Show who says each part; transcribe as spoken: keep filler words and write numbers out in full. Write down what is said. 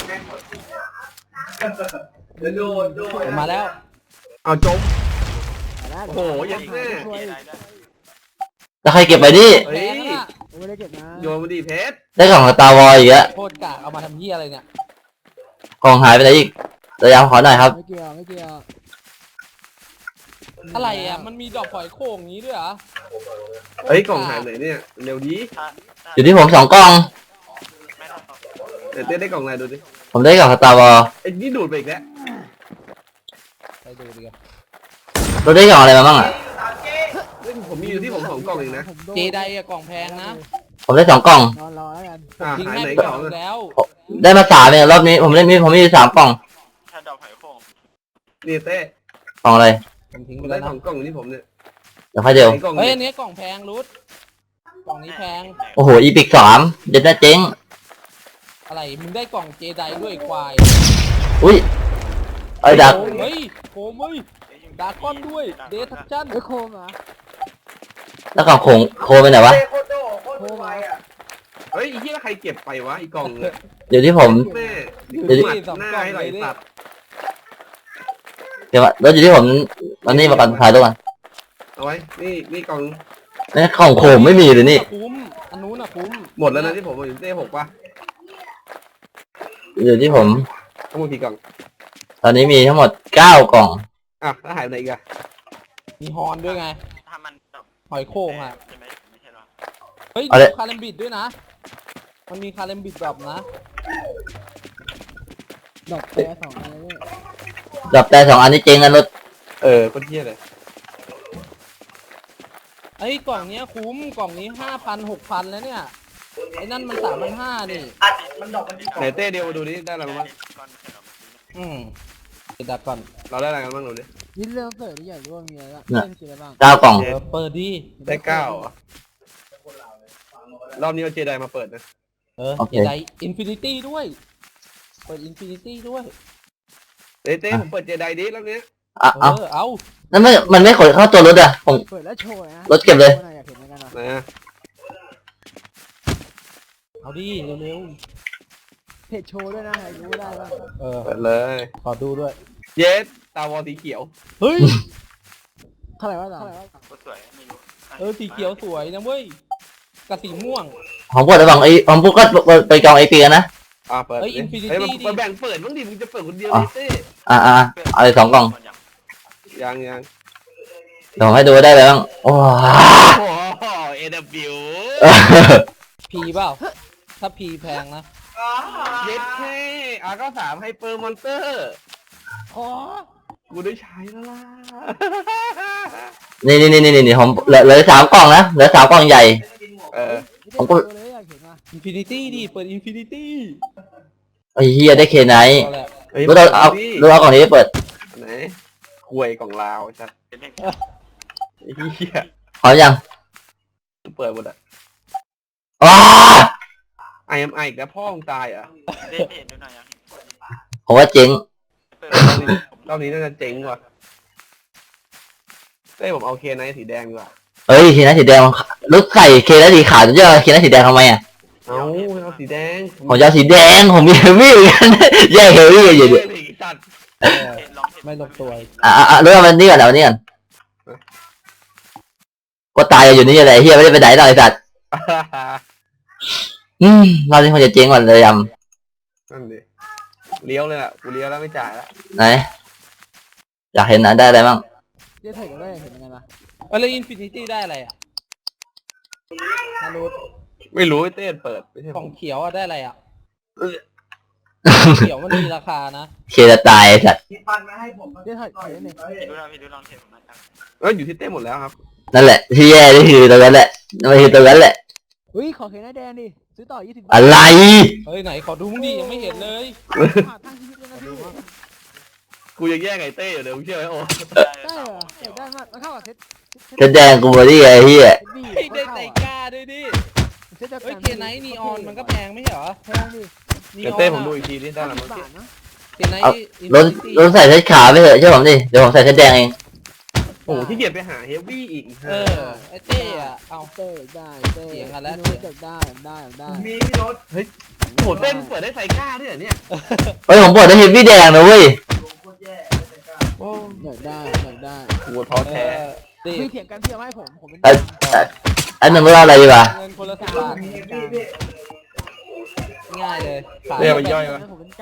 Speaker 1: มาแล้ว
Speaker 2: เอาจมโอ้โหยัดแน่
Speaker 3: แล้วใครเก็บไปดิ
Speaker 2: เฮ้ย
Speaker 1: ไม่ได้เก็บนะ
Speaker 2: โยนมาดิเพชร
Speaker 3: ได้กล่องสตาร์วอลอีกอะ
Speaker 1: โคตรกะเอามาทำเหี้ยอะไรเนี่ย
Speaker 3: กล่องหายไปไหนอีกระยะขอหน่อยครับ
Speaker 1: ไม่เกี่ยวไม่เกี่ยวอะไรอ่ะมันมีดอกฝอยโข่งงี้ด้วยเหรอ
Speaker 2: เฮ้ยกล่องหายไหนเนี่ยเร็วดี
Speaker 3: อยู่ที่ผมสองกล่อง
Speaker 2: เต้ได้กล่องอะไรดูดิ
Speaker 3: ผมได้กล่องสตาร์วอล
Speaker 2: ไอ้นี่ดูดไปอีกแล้ว
Speaker 1: ไปดูดิกัน
Speaker 3: เราได้กล่องอะไรมาบ้างอ่ะ
Speaker 2: ผมมีอยู่ที่ผมสองกล่องเองนะ
Speaker 1: เจไดอะกล่องแพงนะ
Speaker 3: ผมได้สองกล่อง
Speaker 1: รอรอแล้วกัน
Speaker 2: ทิ้ง
Speaker 1: ให้กล่องแล้ว
Speaker 3: ได้มาสามเนี่ยรอบนี้ผมได้มีผมมีสามกล่อง
Speaker 2: ถ้าดอกไผ่โค้งนี่เต้
Speaker 3: กล่องอะไร
Speaker 1: ผมทิ้งไป
Speaker 2: ได้
Speaker 1: แล้ว
Speaker 2: สองกล่องอยู่ที่ผมเนี่ย
Speaker 3: เดี๋ยวค่อยเดียว
Speaker 1: เฮ้ยอันนี้กล่องแพงรุดกล่องนี้แพง
Speaker 3: โอ้โหอีพิกสามเด็ดน่าเจ๊ง
Speaker 1: อะไรมึงได้กล่องเจไดด้วยควาย
Speaker 3: อุ้ยไอ้ดัก
Speaker 1: เฮ้ยโคมเฮ้ยดาก้อนด้วยเดทัชชั่นเฮ้ยโคมเหรอ
Speaker 3: แล้วกล่องโคงโคไปไหนวะ
Speaker 1: โคมอ่ะ
Speaker 2: เฮ้ยที่ใครเก็บไปวะอีกกล่องเลย
Speaker 3: เดี๋ยวที่ผม
Speaker 2: เดี๋ยวที่หน้าให้ไหลตัด
Speaker 3: เดี๋ยวแล้วอยู่ที่ผมวันนี้มาก่อนถ่ายตัวกัน
Speaker 2: เอาไว้นี่นี่กล่อง
Speaker 3: นี่กล่องโคมไม่มีเลยนี่
Speaker 1: คุ้มอันนู้นอะคุ้ม
Speaker 2: หมดแล้วนะที่ผมอยู่เต้หกป่ะ
Speaker 3: อยู่ที่ผม
Speaker 2: ทั้งหมดกี่กล่อง
Speaker 3: ตอนนี้มีทั้งหมดเก้ากล่อง
Speaker 2: อ่ะแล้วหายไปไหนอีกอะ
Speaker 1: มีฮอนด้วยไงถ้ามันหอยโข่งอ่ะเฮ้ยคาเลมบิดด้วยนะมันมีคาเลมบิดแบบนะดอกแต่สองอันเลย
Speaker 3: ดอกแต่สองอันนี้เจ๊งกันรถ
Speaker 2: เออคนเที่ยเลย
Speaker 1: ไอ้กล่องนี้คุ้มกล่องนี้ห้าพันหกพันแล้วเนี่ยไอ้นั่นมันสามพันห้านี่
Speaker 2: ไหนเต้เดียวมาดูดิได้อะไรบ้าง
Speaker 1: อืมดักก่อน
Speaker 2: เราได้อะไรกันบ้างดูดิ
Speaker 1: ยินเรื่องเปิดที่ใหญ่ร่วมมีอะไรบ้าง
Speaker 3: เก้ากล่อง
Speaker 1: เปิดดิ
Speaker 2: ได้เก้ารอบนี้เอาเจไดมาเปิดนะ
Speaker 1: เออเจไดอินฟินิตี้ด้วยเปิดอินฟินิตี้ด้วย
Speaker 2: เต้เต้ผมเปิดเจไดดิรอบนี้
Speaker 3: อ่ะเอา
Speaker 1: เอา
Speaker 3: นั่นไม่มันไม่ขนเข้าตัวรถอ่ะผม
Speaker 1: เปิดแล้วโชว์นะ
Speaker 3: รถเก็บเลย
Speaker 2: นะ
Speaker 1: เอาดิเร็วๆเพจโชว์ด้วยนะให้รู้ได้บ้างเออ
Speaker 2: เปิดเลย
Speaker 1: ขอดูด้วย
Speaker 2: เยสตาวอลสีเขียว
Speaker 1: เฮ้ยเท่าไหร่วะเท่าไหร่วะสวยไม่รู้เออสีเขียวสวยนะเว้ยกับสีม่วง
Speaker 3: ของพวกระหว่างไอ้ของพวกก็ไปกองไอปีกันนะ
Speaker 2: อ่าเปิดเฮ้ยอินฟินิตี้ดิแบ่งเปิดบ้างดิมึงจะเปิดคนเดียวดิเต้
Speaker 3: อ่าอ่าเอาเลยสองกล่อง
Speaker 2: ยังยัง
Speaker 3: เดี๋ยวให้ดูได้เลยบ้างโอ้
Speaker 2: โหเอเดบิว
Speaker 1: พีเปล่าถ้าพีแพงนะ
Speaker 2: เย็ดแค่อาร์ก็สามไฮเปอร์มอนเตอร์
Speaker 1: ขอ
Speaker 2: กูได้ใช้แล้วล่ะ
Speaker 3: นี่นี่นี่นี่นี่ผมเหลือเหลือสามกล่องนะเหลือสามกล่องใหญ่
Speaker 2: เออ
Speaker 3: ผมก็
Speaker 1: อินฟินิตี้ดิเปิดอินฟินิตี้
Speaker 3: ไอ้เฮียได้เคไนท์เราเอาเราเอากล่องนี้ไปเปิด
Speaker 2: ไหนคุยกล่องลาวชัดไอ้เฮีย
Speaker 3: พอยัง
Speaker 2: เปิดหมดอ่ะ
Speaker 3: อ้า
Speaker 2: ไอเอ็มไออีกแล้วพ่อมึงตายอ่ะ
Speaker 3: ผมว่าเจ๊ง
Speaker 2: รอบนี้น่าจะเจ๊งว่ะเต้ผมเอาเคไนท์สีแดงดีกว่า
Speaker 3: เฮ้ยเคไนท์สีแดงรถใส่เคไนท์สีขาวจะเจอเคไนท์สีแดงทำไมอ่ะ
Speaker 2: เอาเอาสีแดง
Speaker 3: ผมจะสีแดงผมมีเฮฟวี่กันแย่เฮฟวี่อยู่ดิ
Speaker 1: ไม่ลงตัว
Speaker 3: อ่ะอ่ะเรื่องมันนี่ก่อนเดี๋ยวนี้ก่อนก็ตายอยู่นี่แหละเฮียไม่ได้ไปไหนหรอกไอ้สัตว์อืมเราที่คนจะเจ๊งก่อนเลยย
Speaker 2: ำนั่นดิเลี้ยวเลยอ่ะกูเลี้ยวแล้วไม่จ่ายแล้ว
Speaker 3: ไหนอยากเห็นนะได้อะไรบ้าง
Speaker 1: เดี๋ยวถ่ายกันได้เห็นยังไงล่ะอะไรอินฟินิตี้ได้อะไรอ่ะไม่รู้
Speaker 2: ไม่รู้เต้เปิด
Speaker 1: กล่องเขียวอ่ะได้อะไรอ่ะเขียวมันมีราคานะ
Speaker 3: เคจะตายสัตว์
Speaker 1: เดี๋ยวถ่ายถ่ายนี่ดูลองดูลองเทป
Speaker 2: นะครับเอออยู่ที่เต้หมดแล้วครับ
Speaker 3: นั่นแหละที่แย่นี่คือตรงนั้นแหละไม่คือตรงนั้นแหละ
Speaker 1: เฮ้ยขอเห็นหน้าแดงดิซื้อต่อยี่สิบ
Speaker 3: อะไร
Speaker 1: เฮ้ยไหนขอดูมึงดิยังไม่เห็นเลย
Speaker 2: กูยังแย่ไงเต้อยู่เดี๋ยวมึงเชื่อไหมโอ้
Speaker 1: ได้เหรอได้มากมันเข้ากับเซ็ต
Speaker 3: เซ็ตแดงกูบอดี้ไอ้เหี้ย
Speaker 1: ได้ใจกล้าด้วยดิเฮ้ยเคไนท์นีออนมันก็แพงไม่ใช่เหรอแพงดิ
Speaker 2: เดี๋ยวเต้ผมดูอีกทีนี่ได้แล้วมั้ง
Speaker 1: เคไนท์
Speaker 3: รถรถใส่เซ็ตขาวไปเถอะเชื่อผมดิเดี๋ยวผมใส่เซ็ตแดงเอง
Speaker 1: โอ้
Speaker 2: โอ้ที่เกียจไปหาเฮฟวี่อีก
Speaker 1: เออไอ้เต้อะเอา
Speaker 4: เต้ได้เต้
Speaker 1: เถียงกันแล้ว
Speaker 4: พี่โน้ตได้ได้ได้
Speaker 2: มีพี่รถเฮ้ยโหเต้นเปิดได้ไซก้าด้วยเหรอเนี่ย
Speaker 3: เฮ้ยผมเปิดได้เฮฟวี่แดงนะเว้ย
Speaker 2: โอ้
Speaker 4: อยากได้อยากได้
Speaker 2: หัวท้อ
Speaker 1: เอ
Speaker 2: แท้
Speaker 1: อเต้
Speaker 4: พี่เถียงกันพี่เอาให้ผมผมเป็น
Speaker 3: เอ้ยเอ้ยอันหนึ่งไม่ว่าอะไรดีวะ
Speaker 1: เงินคนละสิบบาทง่ายเลยขาย
Speaker 2: เรียกมันย่อย
Speaker 4: ผมเป็น